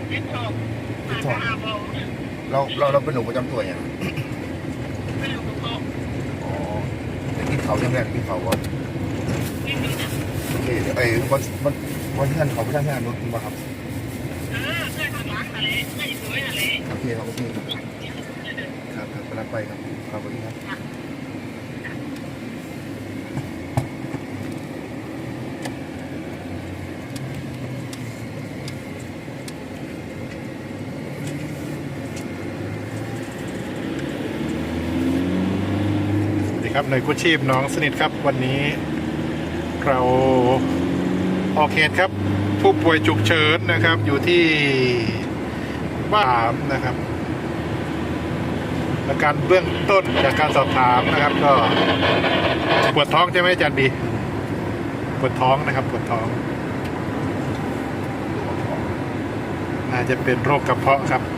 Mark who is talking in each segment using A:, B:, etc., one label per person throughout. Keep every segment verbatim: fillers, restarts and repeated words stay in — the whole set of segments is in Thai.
A: เจ็บท้อง
B: เจ็บท้อง
A: มาหาหมอ
B: เราเราเราเป็นโรคประจำตัวอย่าง
A: ไม่รู้กระเพาะ
B: อ๋อแต่กินเขายังไงกินเขาก่อน
A: ไม่มีนะ
B: โอเคเดี๋ยวไอ้วันวันวันที่ท่านเขาไม่ใช่ที่ท่านรถมาครับ
A: เออเพื่อนข้างหลังทะเลไม่สวยทะเล
B: โอเคครับโอเคครับครับครับกำลังไปครับครับสวัสดีครับ
C: ครับหน่วยกู้ชีพน้องสนิทครับวันนี้เราออกเหตุครับผู้ป่วยฉุกเฉินนะครับอยู่ที่บ้านนะครับอาการเบื้องต้นจากการสอบถามนะครับก็ปวดท้องใช่ไหมอาจารย์บีปวดท้องนะครับปวดท้องน่าจะเป็นโรคกระเพาะครับ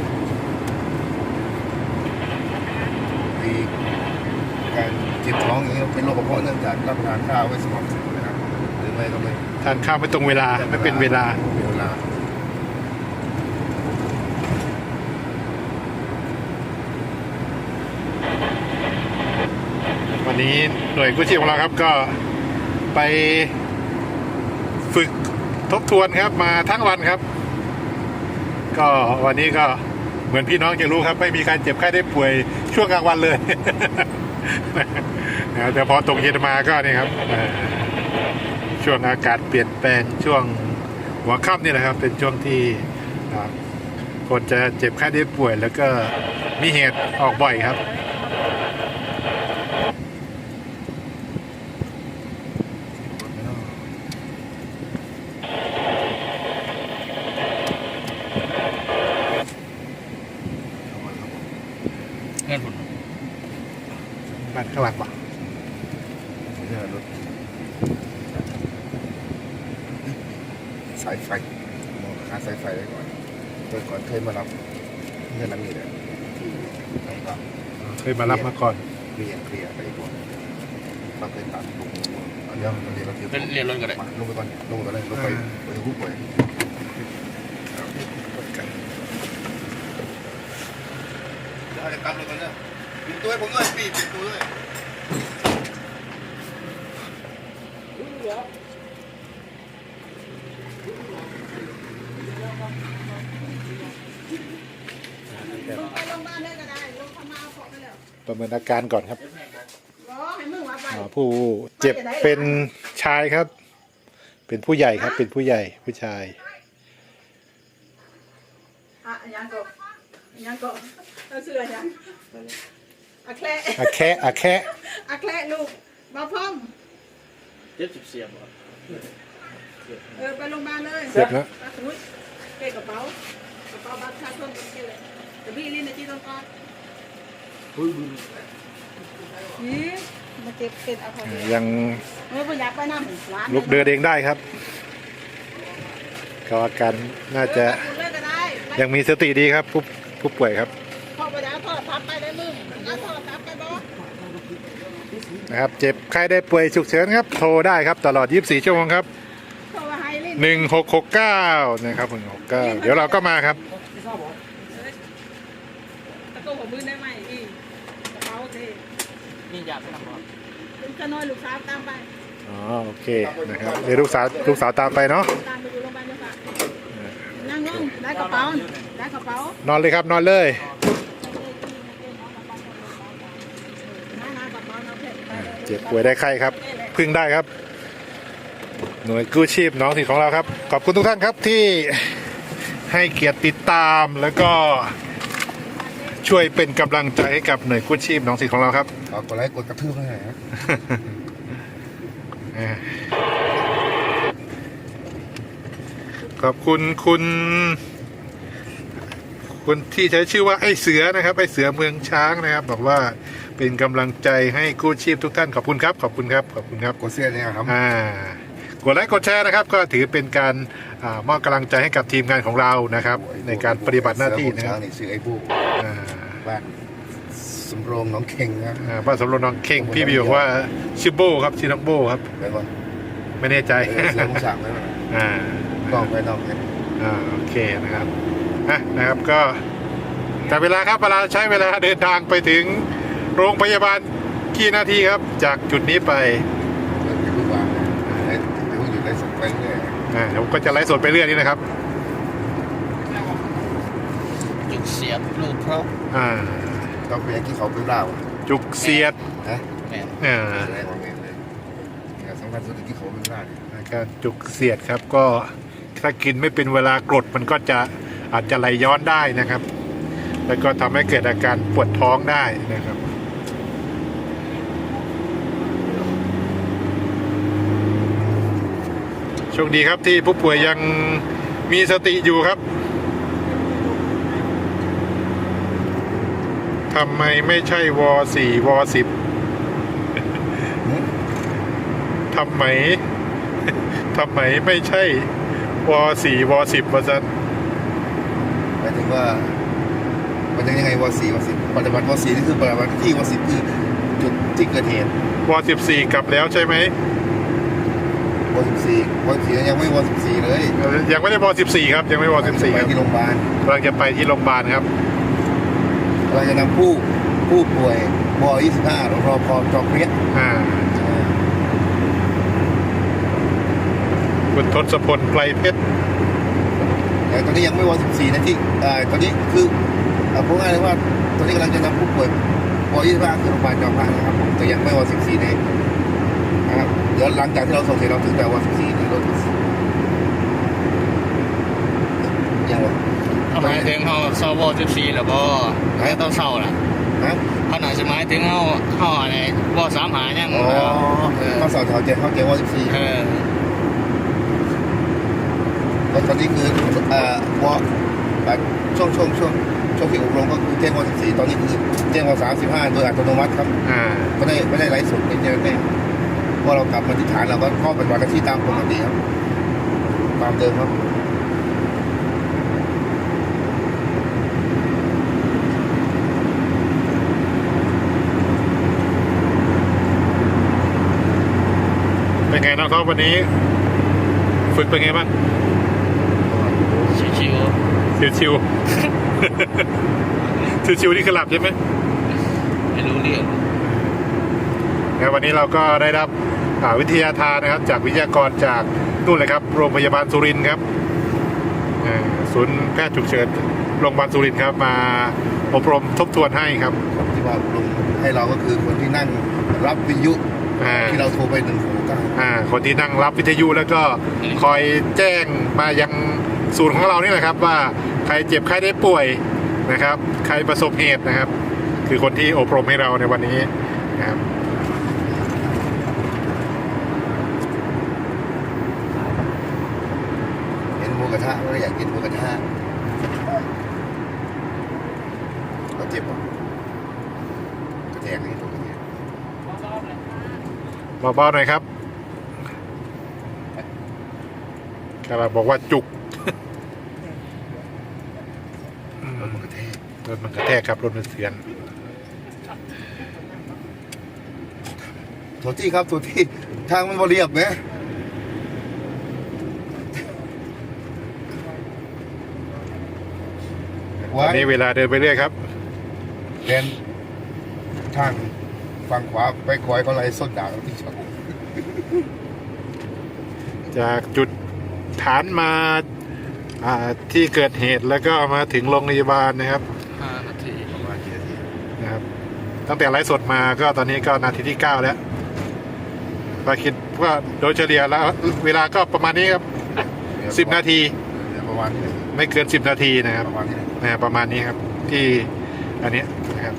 B: มีการเจ็บท้องอย่างนี้เป็นโรคกระเพาะเนื่องจากรับประทานข้าวไม่สม่ำเสมอนะครับหรือไม่ก็ไม่
C: ทานข้าวไม่ตรงเวลาไม่เป็นเวลา
B: ไม่เป็นเวลา
C: วันนี้หน่วยกู้ชีพของเราครับก็ไปฝึกทบทวนครับมาทั้งวันครับก็วันนี้ก็เหมือนพี่น้องจะรู้ครับไม่มีการเจ็บไข้ได้ป่วยช่วงกลางวันเลย นะแต่พอตกเย็นมาก็นี่ครับช่วงอากาศเปลี่ยนแปลงช่วงหัวค่ำนี่แหละครับเป็นช่วงที่คนจะเจ็บไข้ได้ป่วยแล้วก็มีเหตุออกบ่อยครับ
B: เงื่อนผล
C: บ้านข้างหลังปะ
B: เงื่อนรถสายไฟมองหาสายไฟได้ก่อนเมื่อก่อนเคยมารับเงื่อนน้ำมีเลยที่ไหนบ้าง
C: เคยมารับมาก่อน
B: เคลียร์เคลียร์ไปก่อนเราเคยตัดลงเดี๋ยวเดี๋ยวเราเรียนรถกันเลยลงไปก่อนลงไปก่อนเลยรถไฟไปถึงผู้ป่วยเดี๋ยวจะตั้งรถก่อนเนี่ยปิดตัวให้ผมด้วยปีปิดตัวด้วย
A: ไปโรงพยาบาลได้ก็ได้ลงพม่าขอไปแล้ว
C: ประเมินอาการก่อนครับ
A: รอให้มึงมาไป
C: อ่าผู้เจ็บเป็นชายครับ เป็นผู้ใหญ่ครับ เป็นผู้ใหญ่ผู้ชาย
A: อ่ะยังก็ยังก็เราเสือยังอะแคละ
C: อาแคะอาแคะ
A: อะแคละลูกมาพร้อม
D: เจ็บสิบเสียบเหรอ
A: เออไปโรงพยาบาลเลย
C: เจ็บนะ
A: ไปอุ้ยเก็บกระเป๋ากระเป๋าบัตรประชาชนเป็นเกเลยเดี๋ยวพี่ลิ้นในที่ต้องการนี่มาเจ็บเป็นอะไร
C: ยัง
A: เออไม่อยากไปนั่งหวาน
C: ลุกเดินเองได้ครับก็อาการน่าจะ
A: เออไปเลยก็ได้
C: ยังมีสติดีครับ ผู้ผู้ป่วยครับ
A: พ่อไปแล้วพ่อทับไปได้มึงแล้วพ่อทับไปบ่
C: นะครับ เจ็บไข้ได้ป่วยฉุกเฉินครับ โทรได้ครับตลอดยี่สิบสี่ชั่วโมงครับ
A: พ่อว่าให้ลิ้น
C: หนึ่งหกหกเก้านะครับหนึ่งหกเก้าเดี๋ยวเราก็มาครับ
A: ตะโกนหัวมือได้ไหมอีกระเป๋าเท
D: นี่อยากไปทำหรอ
A: เป็นขน้อยลูกสาวตามไป
C: อ๋อโอเคนะครับเดี๋ยวลูกสาวลูกสาวตามไปเนาะ
A: ตามไปดูโรงพยาบาลเจ้าค่ะนั่งลงได้กระเป๋าได้กระเป๋าน
C: อนเลยครับนอนเลย
A: น้ากระเป๋าน้าเพชร
C: เจ็บป่วยได้ไข้ครับ พึ่งได้ครับ หน่วยกู้ชีพน้องถิ่นของเราครับ ขอบคุณทุกท่านครับที่ให้เกียรติติดตามแล้วก็ช่วยเป็นกำลังใจให้กับหน่วยกู้ชีพน้องถิ่นของเราครับ
B: ขอกดไลค์กดกระทืบให้หน่อยครับ
C: ขอบคุณคุณคุณที่ใช้ชื่อว่าไอ้เสือนะครับไอ้เสือเมืองช้างนะครับบอกว่าเป็นกำลังใจให้กู้ชีพทุกท่านขอบคุณครับขอบคุณครับขอบคุณครับ
B: กดเสื้อเนี่ยครับ
C: อ่ากดไลค์กดแชร์นะครับ ก็ถือเป็นการอามอบกำลังใจให้กับทีมงานของเรานะครับ ในการปฏิบัติหน้าที่นะค
B: เสือ
C: รับ
B: นี่ชื่อไอ้บู
C: อ่า
B: บ้านสำโรงหน้องเข่งครับ
C: อ่าบ้านสำโรงน้องเข่งพี่บิวบอกว่าชื่อโบครับชื่อน้องโบครับ
B: ไปก่อน
C: ไม่แน่ใจ
B: เออเสือมุสั่งเลย
C: อ่า
B: ต้องไปต้องไป
C: อ่าโอเคนะครับนะนะครับก็แต่เวลาครับเวลาใช้เวลาเดินทางไปถึงโรงพยาบาลกี่นาทีครับจากจุดนี้ไป
B: เดินไปทุกวันไอ้ไอ้พวกอยู่ในสเปนเนี่ย
C: อ่าผมก็จะไลฟ์สดไปเรื่อยนี่นะครับ
D: จุดเสียบลูกเพราะ
C: อ่า
B: ต้องไปยังที่เขาเป็นเล่า
C: จุกเสียด
B: นะ
D: แม่น
C: อ่า
B: แสดงว่าเมนเลยเนี่ยสำคัญสุดที่เขาเป็นเล่าเนี่ย
C: การจุกเสียดครับก็ถ้ากินไม่เป็นเวลากรดมันก็จะอาจจะไหลย้อนได้นะครับ แล้วก็ทำให้เกิดอาการปวดท้องได้นะครับโชคดีครับที่ผู้ป่วยยังมีสติอยู่ครับทำไมไม่ใช่วสี่วสิบทำไมทำไมไม่ใช่วสี่วสิบวะซัน
B: หมายถึงว่ามันยังยังไงวสี่วสิบปฏิบัติวสี่นี่คือปฏิบัติที่วสิบคือจุดที่เกิดเหตุ
C: วสิบสี่กลับแล้วใช่ไหม
B: วสิบสี่วสิบสี่ยังไม่วสิบสี่เลย
C: ยังไม่ได้วสิบสี่ครับยังไม่วสิบสี่
B: ไป
C: ครับ
B: ที่โรงพยาบาล
C: กำลังจะไปที่โรงพยาบาลครับ
B: เราจะนำผู้ผู้ป่วยวยี่สิบห้ารอพอจอเพี้ย
C: อ่าคุณทศพลไกลเพชร
B: แต่ตอนนี้ยังไม่วสิบสี่นะที่อ่าตอนนี้คือเอาพูดง่ายเลยว่าตอนนี้กำลังจะนำผู้ป่วยวยี่สิบห้าคือโรงพยาบาลจอมพระนะครับผมแต่ยังไม่วสิบสี่เลยนะครับเดี๋ยวหลังจากที่เราส่งเสร็จเราถึงแต่วสิบสี่ในรถยังวะ
D: เอาหมายถึงเขาเศร้าโบสิบสี่แล้วบ่ไม่ต้องเศร้าล่ะ
B: นะ
D: เขาหน่อยจะหมายถึงเขาเขาอะไรบ่สามหายัง
B: อ๋อ
D: เออ
B: ต้องสอบแถวเจ็ดเข้าเจ็ดวสิบสี่
D: เออ
B: ตอนนี้คือเอ่อวแบบช่วงช่วงช่วงช่วงที่อบรมก็คือแจ้งวสิบสี่ตอนนี้คือแจ้งวสามสิบห้าโดยอัตโนมัติครับ
C: อ่า
B: ไม่ได้ไม่ได้ไลฟ์สดไม่ได้แน่เพราะเรากลับมาที่ฐานเราก็เข้าเป็นวันที่ตามปกติครับตามเดิมครับ
C: เป็นไงน้องท็อปวันนี้ ฝึกเป็นไงบ้าง
D: ชิว
C: ชิวชิว ชิวชิวๆนี่คือหลับใช่ไหม
D: ๆไม่รู้เรื่อง
C: แล้ววันนี้เราก็ได้รับอ่าวิทยาทานนะครับ จากวิทยากรจากนู่นเลยครับโรงพยาบาลสุรินทร์ครับอ่าศูนย์แพทย์ฉุกเฉินโรงพยาบาลสุรินทร์ครับมาอบรมทบทวนให้ครับ
B: ที่ว่าลงให้เราก็คือคนที่นั่งรับวิทยุ
C: อ่า
B: ที่เราโทรไปหนึ่งหกเก้า
C: อ่าคนที่นั่งรับวิทยุแล้วก็คอยแจ้งมายังศูนย์ของเรานี่แหละครับ ว่าใครเจ็บใครได้ป่วยนะครับ ใครประสบเหตุนะครับ คือคนที่อบรมให้เราในวันนี้นะครับ
B: เห็นหมูกระทะก็อยากกินหมูกระทะเราเจ็บป่ะกระแทกนี่ตรงนี้
C: เบาๆหน่อยครับกำลังบอกว่าจุก
B: รถมันกระแทก
C: รถมันกระแทกครับรถมันเสียน
B: โทษที่ครับโทษที่ทางมันบริเรียบไหม
C: ตอนนี้เวลาเดินไปเรื่อยครับ
B: เดินทางฝั่งขวาไปขวาก็ไล่ส้นด่างที่ชอบ
C: จากจุดฐานมาอ่าที่เกิดเหตุแล้วก็มาถึงโรงพยาบาลนะครับ
D: ห้านาที
B: ประมาณกี่นาที
C: นะครับ ตั้งแต่ไลฟ์สดมาก็ตอนนี้ก็นาทีที่เก้าแล้วก็คิดว่าโดยเฉลี่ยแล้วเวลาก็ประมาณนี้ครับสิบนาที
B: เดี๋ยวประมาณนี้
C: ไม่เกินสิบนาทีนะครับ
B: ประมาณนี้
C: นะประมาณนี้ครับที่อันเนี้ยนะครับ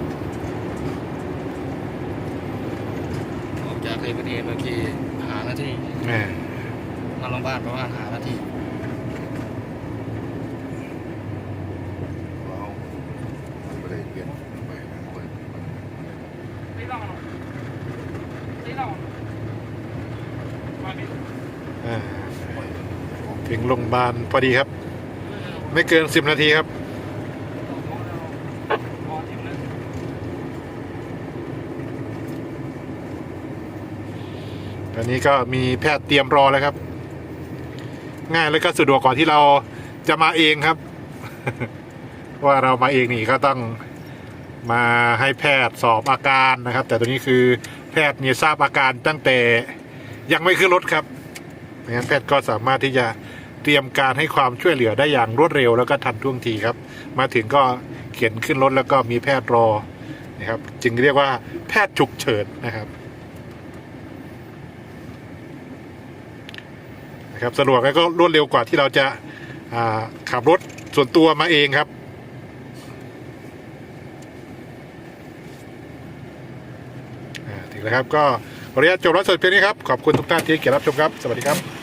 D: ออกจากเกิดเหตุเมื่อกี้หานาที
C: แหม่
D: มาโรงพยาบาลประมาณหานาที
B: เราไม่ได้เปลี่ยนไปนะเปิด
C: อ่าถึงโรงพยาบาลพอดีครับ ไม่เกินสิบนาทีครับตอนนี้ก็มีแพทย์เตรียมรอแล้วครับ ง่ายแล้วก็สะดวกกว่าที่เราจะมาเองครับ ว่าเรามาเองนี่ก็ต้องมาให้แพทย์สอบอาการนะครับ แต่ตัวนี้คือแพทย์เนี่ยทราบอาการตั้งแต่ยังไม่ขึ้นรถครับดังนั้นแพทย์ก็สามารถที่จะเตรียมการให้ความช่วยเหลือได้อย่างรวดเร็วแล้วก็ทันท่วงทีครับมาถึงก็เขียนขึ้นรถแล้วก็มีแพทย์รอนะครับจึงเรียกว่าแพทย์ฉุกเฉินนะครับนะครับสะดวกแล้วก็รวดเร็วกว่าที่เราจะขับรถส่วนตัวมาเองครับถึงแล้วครับก็ขออนุญาตจบไลฟ์สดเพียงนี้ครับขอบคุณทุกท่านที่เกียรติรับชมครับสวัสดีครับ